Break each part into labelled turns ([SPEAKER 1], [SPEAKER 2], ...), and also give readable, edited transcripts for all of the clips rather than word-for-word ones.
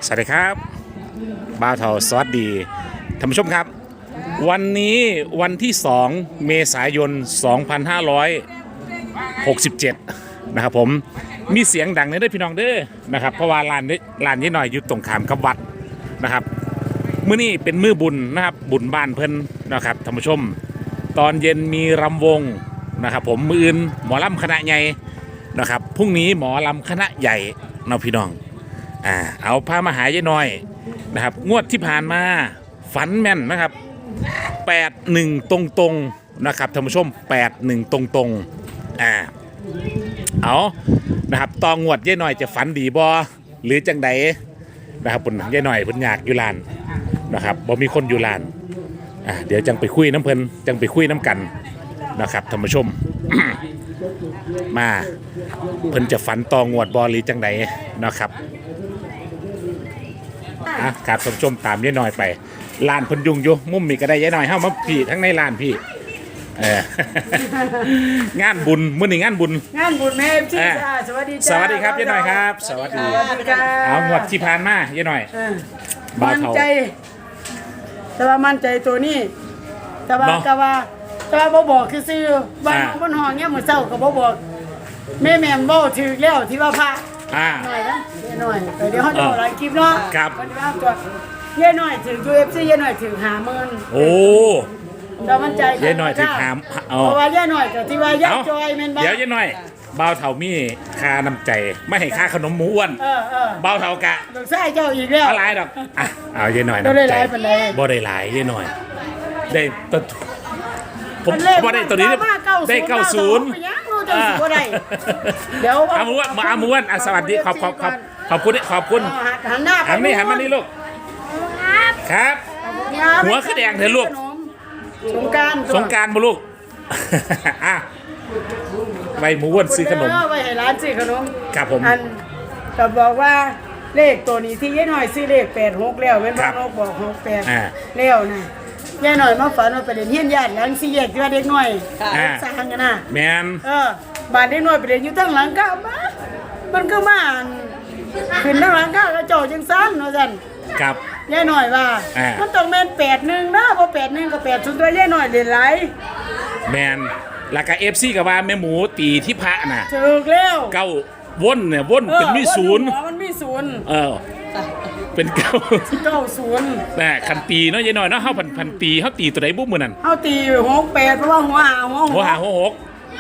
[SPEAKER 1] สวัสดีครับบ่าวเทาสวัสดีท่านผู้ชมครับวันนี้วันที่2เมษายน2567นะครับผมมีเสียงดังในเด้อพี่น้องเด้อนะครับเพราะว่าลานนี้หน่อยอยู่ตรงขามกับวัดนะครับมื้อนี้เป็นมื้อบุญนะครับบุญบ้านเพิ่นนะครับท่านผู้ชมตอนเย็นมีรำวงนะครับผมมื้ออื่นหมอลำคณะใหญ่นะครับพรุ่งนี้หมอลำคณะใหญ่เนาะพี่น้องเอาพามาหายายน้อยนะครับงวดที่ผ่านมาฝันแม่นนะครับ81ตรงๆนะครับท่านผู้ชม81ตรงๆเอานะครับตองวดยายน้อยจะฝันดีบ่หรือจังใดนะครับปุ่นยายน้อยเพิ่นอยากอยู่ลานนะครับบ่มีคนอยู่ลานเดี๋ยวจังไปคุยน้ำเพิ่นจังไปคุยน้ำกันนะครับท่านผู้ชม มาเพิ่นจะฝันตองวดบ่หรือจังใดนะครับครับท่านผู้ชมตามยายน้อยไปลานเพิ่นยุ่งอยู่มุมมีก็ได้ยายน้อยเฮามาพี่ทั้งในลานพี่งานบุญมื้อนี้งานบุญ
[SPEAKER 2] แม่พี่จ้าสวัสดีจ้า
[SPEAKER 1] สวัสดีครับยายน้อยครับสวัสดีเอางวดที่ผ่านมายายน้อย
[SPEAKER 2] มั่นใจแต่ว่ามั่นใจตัวนี้แต่ว่าบ่บอกคือซื้อบ้านบนห้องเนี่ยมื้อเช้าก็บ่บอกแม่บ่ถือแล้วที่ว่าพระหน่อยนะหน่อยเดี๋ยวเขาจะบอกหลายคลิปเนาะ
[SPEAKER 1] ครับ
[SPEAKER 2] วันนี้ว่าตัวเย่หน่อยถึง UFC เย่หน่อยถึง50,000
[SPEAKER 1] โอ้
[SPEAKER 2] เรามั่นใจ
[SPEAKER 1] เย่หน่อยถึง
[SPEAKER 2] เพราะว่าเย่หน่อยกับที่ว่าย่าจอยแม่นบ่
[SPEAKER 1] เดี๋ยวเย่หน่อยบ่าวเฒ่ามีค่าน้ำใจไม่ให้ค่าขนมหมูอ้วนบ่าวเฒ่ากะ
[SPEAKER 2] ดอกไส้เจ้าอีกแล้ว
[SPEAKER 1] อะไรดอกเอาเย่หน่อย
[SPEAKER 2] น้ำใจ
[SPEAKER 1] บ่ได้หลายเย่หน่อยได้ตัวผมบ่ได้ตัวนี้ได้90
[SPEAKER 2] เดี๋ยว
[SPEAKER 1] อาม้วนสวัสดีขอบคุณ
[SPEAKER 2] หันหน้า
[SPEAKER 1] หันมานี่ลูกครับหัวคือแดงเถอะลูก
[SPEAKER 2] สงกรานต์
[SPEAKER 1] บ่ลูกใบหมูอ้วนซื้อขนม
[SPEAKER 2] ไว้ให้ร้านซื้อขนม
[SPEAKER 1] ครับผม
[SPEAKER 2] ก็บอกว่าเลขตัวนี้ที่ยายหน่อยซื้อเลข86แล้วแม่นบ่บอก68แล้วนะยายหน่อยมาฝันว่าไปเรียนเฮียนญาติหลัง4แยกที่ว่าเด็กน้อยสร้างกันน่ะ
[SPEAKER 1] แม่น
[SPEAKER 2] บ้านเด็กน้อยไปเรียนอยู่ทั้งหลังก้ามันก็มาขึ้นทั้งหลังก้าก็เจ้าจังซั่นว่าซั่น
[SPEAKER 1] ครับ
[SPEAKER 2] ยายหน่อยว่ามันต้องแม่น81นะบ่81ก็80ตัวยายหน่อยเล่นหลาย
[SPEAKER 1] แม่นแล้วก็ FC ก็ว่าแม่หมูตีที่พระน่ะ
[SPEAKER 2] ถูกแล้ว
[SPEAKER 1] เก้าวนเนี่ยวนเป็นมีศูนย์
[SPEAKER 2] มันมีศูนย์
[SPEAKER 1] เป็น90แต่คันตีเนาะยายน้อยเนาะเฮาพันตีเฮาตีตัวใดบ่มื้อนั้น
[SPEAKER 2] เฮาตี68เพราะว่าหัวหา
[SPEAKER 1] 66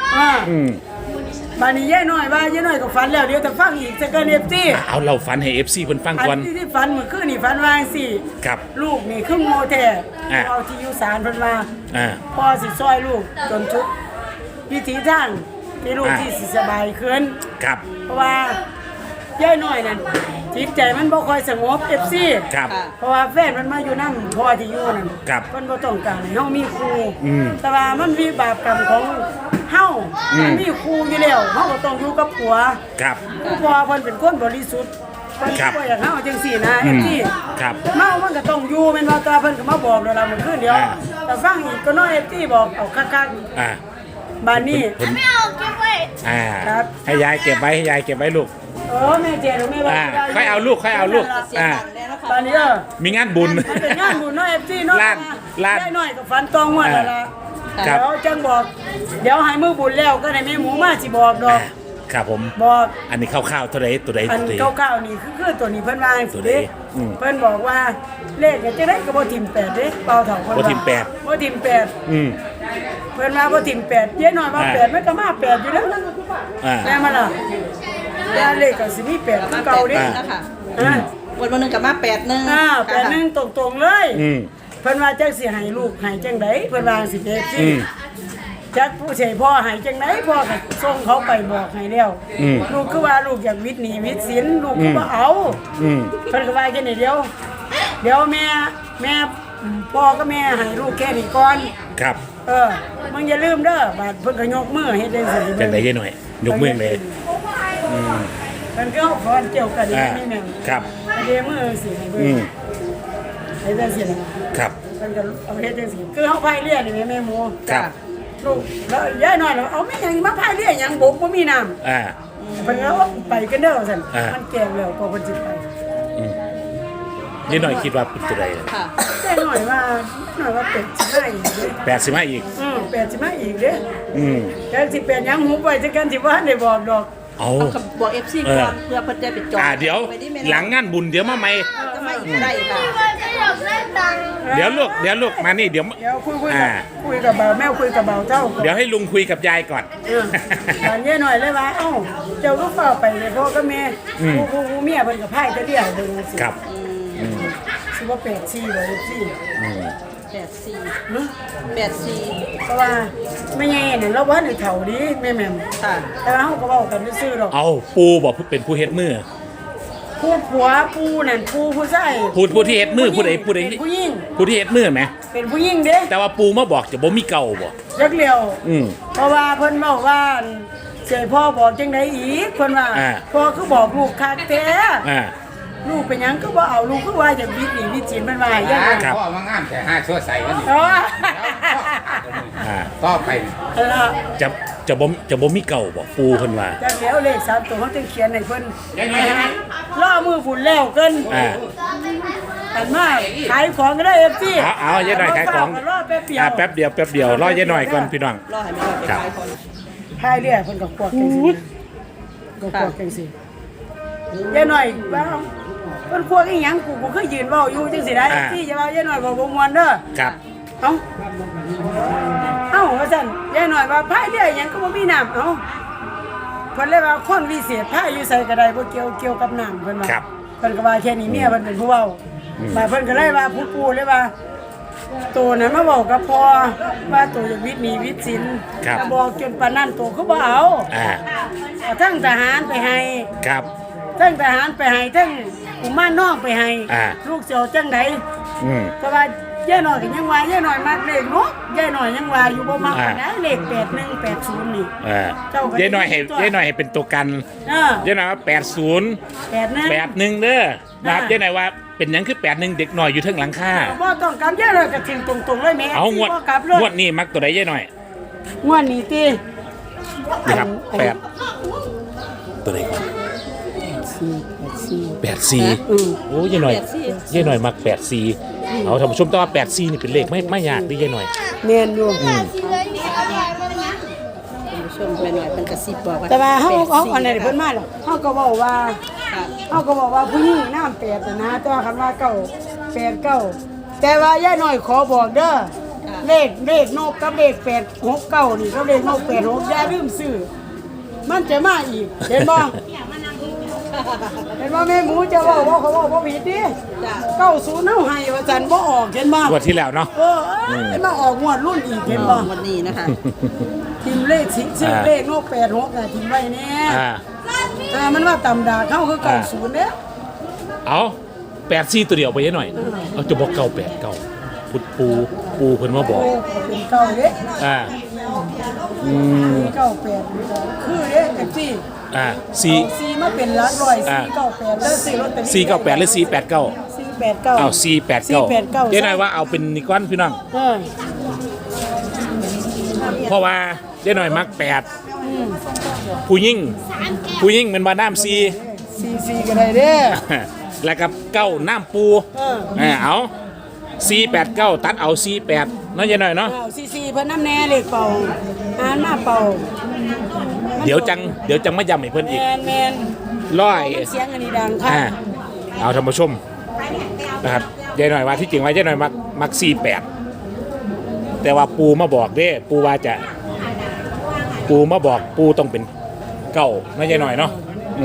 [SPEAKER 2] บ้านนี้ยายน้อยว่ายายน้อยก็ฝันแล้วเดี๋ยวจะฟังอีกจะเกิน FC
[SPEAKER 1] เอาเราฝันให้ FC เพิ่นฟังก่อน
[SPEAKER 2] ที่ฝันเมื่อคืนนี่ฝันว่าจังซี่
[SPEAKER 1] ครับ
[SPEAKER 2] ลูกนี่คือโง่แท้เอาที่อยู่ศาลเพิ่นว่าพ่อสิซอยลูกจนทุกวิถีทางที่ลูกที่สิสบายขึ้น
[SPEAKER 1] ครับ
[SPEAKER 2] เพราะว่ายายน้อยนั่นจิตใจมันบ่ค่อยสงบ FC
[SPEAKER 1] ครับ
[SPEAKER 2] เพราะว่าแฟนมันมาอยู่นำพ่อที่อยู่นั่นเพิ่นบ่ต้องการให้เฮามีครูแต่ว่ามันมีบาปกรรมของเฮามีครูอยู่แล้วเฮาก็ต้องอยู่กับผัว
[SPEAKER 1] ครับ
[SPEAKER 2] เพราะว่าเพิ่นเป็นคนบริสุทธิ์เพิ่นบ่อยากเฮาจังซี่นะ FC
[SPEAKER 1] ครับ
[SPEAKER 2] เมามันก็ต้องอยู่แม่นว่าตาเพิ่นก็มาบอกแล้วล่ะมื้อคืนเดียวแต่ฟังอีกก็น้อย FC บอกเอาคักๆบ้านนี้
[SPEAKER 3] ไม่เอาเก็บไว้
[SPEAKER 1] ครับให้ยายเก็บไว้ลูก
[SPEAKER 2] แม่เจ๊แม่ว่า
[SPEAKER 1] ค่อยเอาลูก
[SPEAKER 2] ตอนนี้
[SPEAKER 1] มีงานบุญ
[SPEAKER 2] เป็นงานบุญน้อย FC เนาะล้านน้อยก็ฝันตองว่าแล้วล่ะเดี๋ยวจังบอกเดี๋ยวให้มือบุญแล้วก็ได้แม่หมูมาสิบอกดอก
[SPEAKER 1] ครับผม
[SPEAKER 2] บอก
[SPEAKER 1] อันนี้คร่าวๆตัวใด
[SPEAKER 2] อันคร่าวๆนี่คือตัวนี้เพิ่นว่าตัวนี้เพิ่นบอกว่าเลขจะได้ก็บ่ทิ่ม8เด้เป่าเฒ่าเพิ่น
[SPEAKER 1] บ่ทิ่ม8
[SPEAKER 2] เพิ่นว่าบ่ทิ่ม8เจ๊น้อยว่า8มันก็มา8อยู่แล้วแม่มาล่ะแล้วเลขก็สิมี8คือเก่าเด้
[SPEAKER 3] นะคะวันนึงก็มา
[SPEAKER 2] 81ตรงๆเลยเพิ่นว่าจักสิให้ลูกให้จังได๋เพิ่นว่าสิเฮ็ดสิจักผู้ใหญ่พ่อให้จังได๋พ่อก็ส่งเขาไปบอกให้แล้วลูกคือว่าลูกอยากวิทย์หนี้วิทย์ศิลป์ลูกก็บ่เอาเพิ่นก็ว่าแค่นี้เดียวแม่พ่อกับแม่ให้ลูกแค่นี้ก่อน
[SPEAKER 1] ครับ
[SPEAKER 2] มึงอย่าลืมเด้อบาดเพิ่นก็ยกมือเฮ็ดจังซี่
[SPEAKER 1] จังได๋ยายหน่อยยกมือเลย
[SPEAKER 2] เพิ่นก็ขอเกี่ยวกันนี่แม่
[SPEAKER 1] ครับ
[SPEAKER 2] เดมือสิให้เบิ่งให้จังซี่
[SPEAKER 1] ครับ
[SPEAKER 2] เพิ่นก็เอาเฮ็ดจังซี่คือเฮาพายเรือนี่แม่หมู
[SPEAKER 1] ครับ
[SPEAKER 2] ลูกแล้วยายน้อยเอาแม่หยังมาพายเรือหยังบกบ่มีน้ำเพิ่นก็ไปกันเด้อซั่นมันแก่แล้วก็เพิ่นสิไป
[SPEAKER 1] ยายหน่อยคิดว่าเป็นตัวใด
[SPEAKER 3] ค่ะ
[SPEAKER 2] แต่หน่อยว่าเป็ดสิมาอีกเด้
[SPEAKER 1] 85อีก
[SPEAKER 2] เป็ดสิมาอีกเด้
[SPEAKER 1] อืม
[SPEAKER 2] แต่สิเป็ดยังหูไปจักกันสิว่าได้บอกดอก
[SPEAKER 1] เอา
[SPEAKER 3] เอากับบอก FC ก่อนเพื่อเพิ่นจะไปจอง
[SPEAKER 1] เดี๋ยว
[SPEAKER 3] ไปที่แม่
[SPEAKER 1] หลังงานบุญเดี๋ยวมาใหม่
[SPEAKER 3] จะไม่ได้ค่ะ
[SPEAKER 1] เดี๋ยวลูกมานี่เดี๋ยว
[SPEAKER 2] เดี๋ยวคุยกับเบาแม่คุยกับเบาเจ้าก่อน
[SPEAKER 1] เดี๋ยวให้ลุงคุยกับยายก่อน
[SPEAKER 2] ตอนเย็นหน่อยเลยว่าเอ้าเจ้าก็เฝ้าไปเลยพ่อก็แม่ผู้เมียเพิ่นก็พายจะเรียกเบิ่งสิ
[SPEAKER 1] ครับ
[SPEAKER 2] สิว่าเป็ดซี่บ่ซี่
[SPEAKER 3] 84
[SPEAKER 2] เพราะว่าไม่ใหญ่เนี่ยเราว่าได้เฒ่าดีแม่แม่ม
[SPEAKER 3] ค่ะ
[SPEAKER 2] แต่ว่าเฮาก็เว้ากันซื่อๆดอก
[SPEAKER 1] เอาปูบอกเป็นผู้เฮ็ดมือ
[SPEAKER 2] ผู้ผัวผู้นั่นผู้ชาย
[SPEAKER 1] ผู้ที่เฮ็ดมือผู้ใด
[SPEAKER 2] เป็นผู้หญิง
[SPEAKER 1] ผู้ที่เฮ็ดมือไหม
[SPEAKER 2] เป็นผู้หญิงเด้
[SPEAKER 1] แต่ว่าปูมาบอกจะบ่มีเก่าบ่
[SPEAKER 2] ยักเลียว
[SPEAKER 1] อืม
[SPEAKER 2] เพราะว่าเพิ่นบอกว่าเสียพ่อบอกจังไดอีกเพิ่นว่า
[SPEAKER 1] อ่า
[SPEAKER 2] พ่อคือบอกลูกคักแท้
[SPEAKER 1] อ่า
[SPEAKER 2] ลูกเป็นหยังก็บ่เอาลูกคือว่าจะวิทย์หนีวิจิตรมันว่าอย่างนั้น
[SPEAKER 1] ครับ
[SPEAKER 4] พ่อมางามแต่ห้าชั่วใส่กันนี่
[SPEAKER 2] อ๋อ
[SPEAKER 1] อ่า
[SPEAKER 4] ต่อไป
[SPEAKER 2] แล้ว
[SPEAKER 1] จะบ่มีเก่าบ่ปูเพิ่นว่า
[SPEAKER 2] จักแล้วเลข3ตัวเขาจึงเขียนให้เพิ่นล่อมือฝุ่นแล้วเกิน
[SPEAKER 1] อ่า
[SPEAKER 2] กันมาขายของก็ได้ FC
[SPEAKER 1] เอายายหน่อยขายของ
[SPEAKER 2] รอแป๊บเดียว
[SPEAKER 1] แป๊บเดียวรอยายหน่อยก่อนพี่น้อง
[SPEAKER 3] รอให้แม่ไปขายก่อน
[SPEAKER 2] พายเรือเพิ่นก็ควักจังซี่ก็ควักจังซี่ยายหน่อยว่าเพิ่นควักอีหยังกูเคยยืนเว้าอยู่จังซี่ได้ที่จะว่ายายหน่อยบ่ม่วนเด้อ
[SPEAKER 1] ครับ
[SPEAKER 2] เอ้าว่าซั่นยายหน่อยว่าพายเรือหยังก็บ่มีน้ำเอ้าเพิ่นเลยว่าคนวิเศษพายอยู่ไสก็ได้บ่เกี่ยวกับน้ำเพิ่นว่า
[SPEAKER 1] ครับ
[SPEAKER 2] เพิ่นก็ว่าแค่นี้เมียเพิ่นเป็นผู้เว้ามาเพิ่นก็เลยว่าผู้ปู่เลยว่าตัวนั้นมาบอกกับพ่อว่าตัวอยากวิทย์หนีวิทย์สิน
[SPEAKER 1] ครับ
[SPEAKER 2] ก็บอกจนปานนั้นตัวเขาบ่เอา
[SPEAKER 1] อ่า
[SPEAKER 2] เอาทั้งทหารไปให้
[SPEAKER 1] ครับ
[SPEAKER 2] ทั้งทหารไปให้ทั้งกุมารน้องไปให้
[SPEAKER 1] อ่า
[SPEAKER 2] ลูกเสียวจังได
[SPEAKER 1] อืม
[SPEAKER 2] ก็ว่าย่าหน่อยก็ยังว่าย่าหน่อยมักเลขเนาะย่าหน่อยยังว่าอยู่บ่มัก
[SPEAKER 1] อ่า
[SPEAKER 2] นะเลข8180นี่
[SPEAKER 1] อ่า
[SPEAKER 2] เจ้าก็
[SPEAKER 1] ยายหน่อยให้เป็นตัวกัน
[SPEAKER 2] เออย
[SPEAKER 1] ายหน่อยว่า80 81เด้อนะครับยายหน่อยว่าเป็นหยังคือ81เด็กน้อยอยู่เทิงหลังคา
[SPEAKER 2] บ่ต้องกลับย่าหน่อยก็ทิ้งตรงๆเลยแม่
[SPEAKER 1] เอางวด
[SPEAKER 2] บ่กลับเลย
[SPEAKER 1] งวดนี้มักตัวใดยายหน่อย
[SPEAKER 2] งวดนี้ติ
[SPEAKER 1] นี่ครับ8ตัวใดก่อน84โอ้ยายหน่อยยายหน่อยมัก84เอาท่านผู้ชมแต่ว่า84นี่เป็นเลขไม่ยากดิยายหน่อย
[SPEAKER 2] แม่นอยู่
[SPEAKER 3] คุณผู้ชมแม่หน่อยเพิ่นกระซิบบอกว่า
[SPEAKER 2] แต่ว่าเฮา
[SPEAKER 3] 84
[SPEAKER 2] อันนี้เพิ่นมาหรอกเฮาก็เว้าว่า
[SPEAKER 3] ค่ะ
[SPEAKER 2] เขาก็บอกว่าผู้หญิงน้ำแปดน่ะนะแต่ว่าคำว่าเก้าแปดเก้าแต่ว่าย่าหน่อยขอบอกเด้อเลขนกกับเลข869นี่กับเลขนก86อย่าลืมซื้อมันจะมาอีกเห็นบ่ เห็นบ่แม่หมูจะเว้าบ่เขาเว้าบ่ผิดดิ
[SPEAKER 3] จ้ะ
[SPEAKER 2] 90เฮาให้ว่าซั่นบ่ออกเห็นบ่
[SPEAKER 1] งวดที่แล้วเนาะ
[SPEAKER 2] มาออกงวดรุ่นอีกเห็นบ่
[SPEAKER 3] วันนี้นะคะ
[SPEAKER 2] ทิมเลขชื่อเลขนก86น่ะทิมไว้แน่ มันว่าตำดาเขาคือ90เด้อ
[SPEAKER 1] เอา84ตัวเดียวไปยายหน่อยเอาจะบอก989ปูเพิ่นมาบอก
[SPEAKER 2] เป็นเก่าเด้
[SPEAKER 1] อ่า
[SPEAKER 2] เก่า8คือเด้แท็กซี่
[SPEAKER 1] อ่า
[SPEAKER 2] ซีมาเป็นหลักร้อย498แล้วซื้อลอตเตอรี่
[SPEAKER 1] 498หรือ489
[SPEAKER 2] 489
[SPEAKER 1] อ้าว489ยายหน่อยว่าเอาเป็นนี่ก้อนพี่น้อง
[SPEAKER 2] เออ
[SPEAKER 1] เพราะว่ายายหน่อยมัก8ผู้ยิ่งมันว่าน้ำ
[SPEAKER 2] 44ก็ได้เด้อ
[SPEAKER 1] แล้วกับ9น้ำปู เอา489ตัดเอา48เนาะยายหน่อยเนาะ
[SPEAKER 2] 44เพิ่นน้ำแน่เลขเป่าอ่านมาเป่า
[SPEAKER 1] เดี๋ยวจังมาย้ำให้เพิ่นอีก
[SPEAKER 2] แม่น
[SPEAKER 1] ร้อย
[SPEAKER 2] เสียงอันนี้ดังค่ะ
[SPEAKER 1] เอาท่านผู้ชมนะครับยายหน่อยว่าที่จริงว่ายายหน่อยมัก48แต่ว่าปูมาบอกเด้ปูว่าจะปูมาบอกปูต้องเป็นเก้านะยายหน่อยเนาะ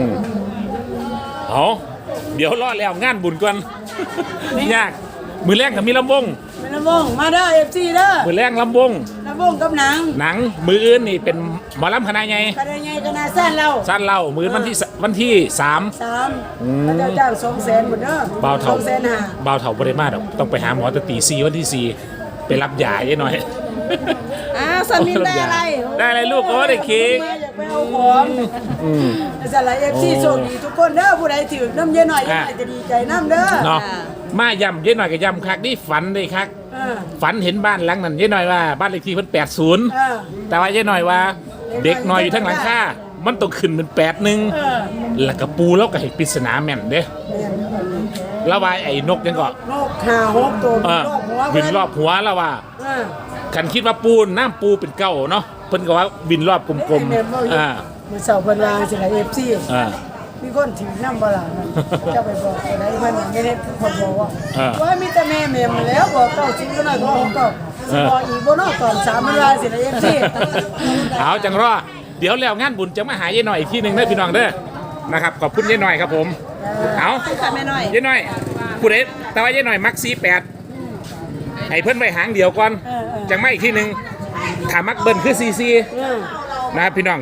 [SPEAKER 1] เอาเดี๋ยวรอแล้วงานบุญก่อน ยากมือแรงกับมีลำวง
[SPEAKER 2] แม่นวงมาเด้อ FC เด้อ
[SPEAKER 1] มือแรงลำวง
[SPEAKER 2] ลำวงกับหนัง
[SPEAKER 1] หนังมืออื่นนี่เป็นหมอลำคณะไง
[SPEAKER 2] ก็ได้ไงก็น่าสั้นเรา
[SPEAKER 1] สั้นเล่ามือวันที่3
[SPEAKER 2] 3เขาเจ้าจ้าง200,000หมดเด้อ
[SPEAKER 1] บ่าวเฒ่า
[SPEAKER 2] 250,000
[SPEAKER 1] บ่าวเฒ่าบริมาดอกต้องไปหาหมอแตตี4วันที่4ไปรับยาเยอะหน่อย
[SPEAKER 3] อ้าวสามีได้อะไร
[SPEAKER 1] ได้อะไรลูกก็ได้เค้ก
[SPEAKER 2] อยากไปเอาของสลาย FC โชคดีทุกคนเด้อผู้ใดถือน้ำเยอะหน่อยจะดีใจน้ำเด้อ
[SPEAKER 1] เนาะมาย่ำเยอะหน่อยกับย่ำคักนี่ฝันได้คัก ฝันเห็นบ้านหลังนั้นเยอะหน่อยว่าบ้านเลขที่เพิ่น80แต่ว่าเยอะหน่อยว่า เด็กน้อยอยู่ทั้งหลังคามันต้องขึ้นเป็น81แล้วก็ปูแล้วก็ให้ปริศนาแม่นเด้แล้วว่าไอ้นกยังก็
[SPEAKER 2] นกหาหกตัว
[SPEAKER 1] เออ
[SPEAKER 2] รอบหัว
[SPEAKER 1] บินรอบหัวแล้วว่า
[SPEAKER 2] เออ
[SPEAKER 1] คันคิดว่าปูน้ำปูเป็นเก้าเนาะเพิ่นก็ว่าบินรอบกลม
[SPEAKER 2] แม่นบ่อยู่
[SPEAKER 1] อ่า
[SPEAKER 2] มื้อเช้าเพิ่นว่าสิให้ FC
[SPEAKER 1] อ่า
[SPEAKER 2] มีคนถือนำบ่ล่ะนั่นเจ้าไปบอกไปได้เพิ่นไม่ได้คนบอกว่า
[SPEAKER 1] เออ
[SPEAKER 2] ว่ามีแต่แม่มาแล้วบอกเก้าสิก็น้อยบอกเก้าสิบอกอีกบ่เนาะตอน3เวลาสิได้ FC
[SPEAKER 1] เอาจังรอเดี๋ยวแล้วงานบุญจะมาหายายหน่อยอีกทีหนึ่งเด้อพี่น้องเด้อนะครับขอบคุณยายหน่อยครับผมเอา
[SPEAKER 3] ค่ะแม่น้อย
[SPEAKER 1] ยายหน่อยผู้ใดแต่ว่ายายหน่อยมัก48ให้เพิ่นไว้หางเดียวก่อนจังไม่อีกทีหนึ่งถ้ามักเบิ้ลคือ44นะครับพี่น้อง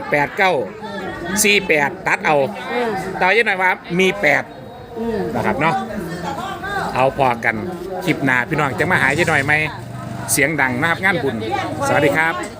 [SPEAKER 1] 89 48ตัดเอาแต่ว่ายายหน่อยว่ามี8นะครับเนาะเอาพอกันคลิปหน้าพี่น้องจะมาหายายหน่อยไหมเสียงดังนะครับงานบุญสวัสดีครับ